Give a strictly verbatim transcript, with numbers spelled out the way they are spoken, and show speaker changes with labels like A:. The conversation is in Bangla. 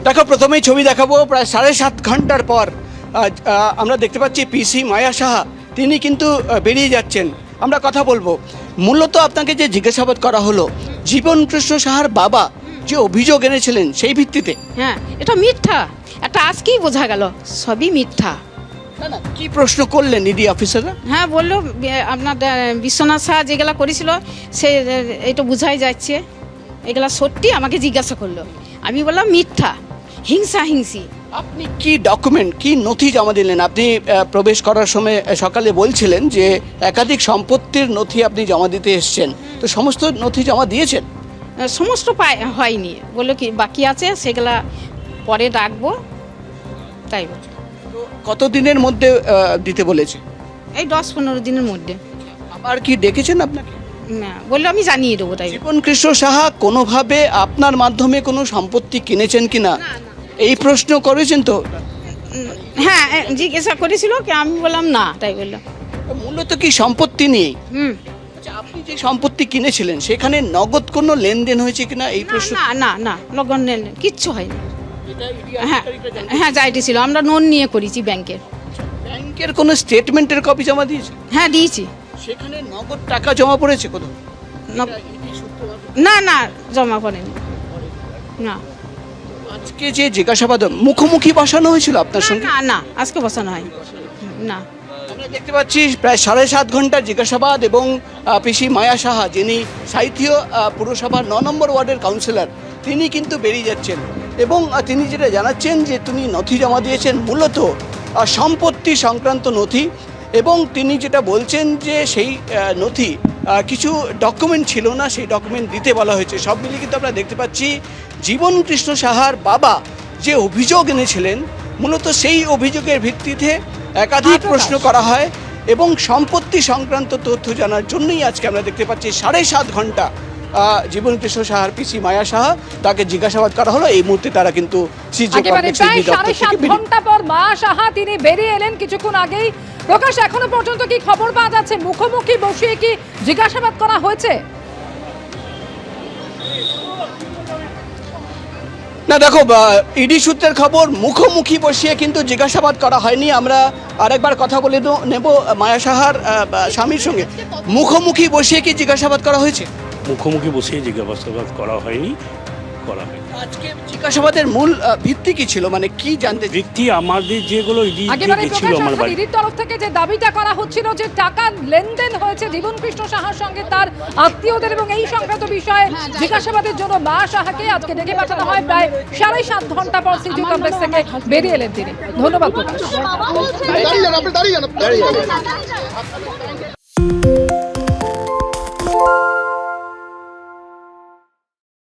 A: দেখো, প্রথমেই ছবি দেখাবো প্রায় সাড়ে সাত ঘন্টার পর আজ, আহ, আমরা দেখতে পাচ্ছি পিসি মায়া সাহা তিনি কিন্তু আহ, বেরিয়ে যাচ্ছেন। আমরা কথা বলবো, মূলত আপনাকে যে জিজ্ঞাসাবাদ করা হলো জীবন কৃষ্ণ সাহার বাবা যে অভিযোগ এনেছিলেন সেই ভিত্তিতে।
B: হ্যাঁ, এটা মিথ্যা, এটা আজকেই বোঝা গেল সবই মিথ্যা।
A: না না, কি প্রশ্ন করলেন ইডি অফিসাররা?
B: হ্যাঁ, বললো বি- আপনার আহ, বিশ্বনাথ শাহ যেগুলা করেছিল সে আহ, এটা বোঝাই যাচ্ছে এগুলা সত্যি। আমাকে জিজ্ঞাসা করলো, আমি বললাম মিথ্যা, হিংসা হিংসি।
A: আপনি কি ডকুমেন্ট, কি নথি জমা দিলেন? আপনি আহ, প্রবেশ করার সময় আহ, সকালে বলছিলেন যে একাধিক সম্পত্তির নথি আপনি জমা দিতে এসেছেন, তো সমস্ত নথি জমা দিয়েছেন?
B: আহ, সমস্ত পায় হয়নি, বললো কি বাকি আছে সেগুলা পরে রাখবো, তাই বলছে।
A: তো কতদিনের মধ্যে আহ, দিতে বলেছে?
B: এই দশ পনেরো দিনের মধ্যে।
A: আবার কি ডেকেছেন আপনাকে?
B: না, বললো আমি জানিয়ে দেবো, তাই বলছে।
A: জীবন কৃষ্ণ সাহা কোনোভাবে আপনার মাধ্যমে কোনো সম্পত্তি কিনেছেন কিনা এই প্রশ্ন করেছেন তো?
B: উম, হ্যাঁ, এ, জিজ্ঞাসা করেছিল কি, আমি বললাম না, তাই বললাম।
A: মূলত কি সম্পত্তি নিয়ে?
B: হুম।
A: আচ্ছা, আপনি যে সম্পত্তি কিনেছিলেন সেখানে নগদ কোনো লেনদেন হয়েছে কিনা এই
B: না
A: প্রশ্ন?
B: না না না লগন নেই, কিচ্ছু হয়নি।
A: এটা ইডি
B: হ্যাঁ
A: আধিকারিকরা জানতে-
B: হ্যাঁ, যাইটি ছিল, আমরা লোন নিয়ে করেছি ব্যাংকের।
A: ব্যাংকের কোনো স্টেটমেন্টের কপি জমা দিয়েছে?
B: হ্যাঁ, দিয়েছি।
A: সেখানে নগদ টাকা জমা পড়েছে কোথাও?
B: ন- না না, জমা করেনি। না
A: আজকে যে জিজ্ঞাসাবাদ মুখোমুখি বসানো হয়েছিল আপনার সঙ্গে?
B: না না, আজকে বসানো হয় না।
A: আমরা দেখতে পাচ্ছি প্রায় সাড়ে সাত ঘন্টার জিজ্ঞাসাবাদ এবং আহ, পিসি মায়া সাহা যিনি সাঁইথিয়া আহ, পুরসভার ন নম্বর ওয়ার্ডের কাউন্সিলর তিনি কিন্তু বেরিয়ে যাচ্ছেন এবং আহ, তিনি যেটা জানাচ্ছেন যে তিনি নথি জমা দিয়েছেন মূলত আহ, সম্পত্তি সংক্রান্ত নথি, এবং তিনি যেটা বলছেন যে সেই আহ, নথি আহ, কিছু ডকুমেন্ট ছিল না, সেই ডকুমেন্ট দিতে বলা হয়েছে। সব মিলিয়ে কিন্তু আমরা দেখতে পাচ্ছি জীবন কৃষ্ণ সাহার বাবা যে অভিযোগ এনেছিলেন মূলত সেই অভিযোগের ভিত্তিতে একাধিক প্রশ্ন করা হয় এবং সম্পত্তি সংক্রান্ত তথ্য জানার জন্যই আজকে আমরা দেখতে পাচ্ছি সাড়ে সাত ঘন্টা আহ, জীবন কৃষ্ণ সাহার পিসি মায়া সাহা তাকে জিজ্ঞাসাবাদ করা হলো। এই মুহূর্তে তারা কিন্তু সিজি
C: একেবারে
A: কমপ্লেক্স
C: প্রায়
A: ইডি দপ্তর
C: সাড়ে
A: থেকে
C: সাত
A: বেরিয়ে-
C: ঘন্টা পর মা সাহা তিনি বেরিয়ে এলেন কিছুক্ষণ আগেই। প্রকাশ, এখনো পর্যন্ত কি খবর পাওয়া যাচ্ছে? মুখোমুখি বসিয়ে কি জিজ্ঞাসাবাদ করা হয়েছে?
A: না দেখো, ইডি সূত্রের খবর মুখোমুখি বসিয়ে কিন্তু জিজ্ঞাসাবাদ করা হয়নি। আমরা আরেকবার কথা বলে দো- নেব মায়া সাহার আহ, স্বামীর সঙ্গে। মুখোমুখি বসিয়ে কি জিজ্ঞাসাবাদ করা হয়েছে?
D: মুখোমুখি বসে জিজ্ঞাসাবাদ করা হয়নি, করা হয়নি।
A: আজকে জিজ্ঞাসাবাদের মূল আহ, ভিত্তি কি ছিল, মানে কি জানতে?
D: ব্যক্তি আমাদের যেগুলো ইডি
C: একেবারে
D: গেছিল
C: প্রকাশ,
D: আমার
C: এখন
D: বাড়ি,
C: ইডির তরফ থেকে যে দাবিটা করা হচ্ছিল যে টাকা লেনদেন হয়েছে জীবন কৃষ্ণ সাহার সঙ্গে তার আত্মীয়দের, এবং এই সংক্রান্ত বিষয়ে জিজ্ঞাসাবাদের জন্য মা সাহাকে আজকে ডেকে পাঠানো হয়। প্রায় সাড়ে সাত ঘন্টা পর সিটি কমপ্লেক্স থেকে বেরিয়ে এলেন তিনি। ধন্যবাদ প্রকাশ।
E: দাঁড়িয়ে যান, আপনি দাঁড়িয়ে যান, দাঁড়িয়ে যান।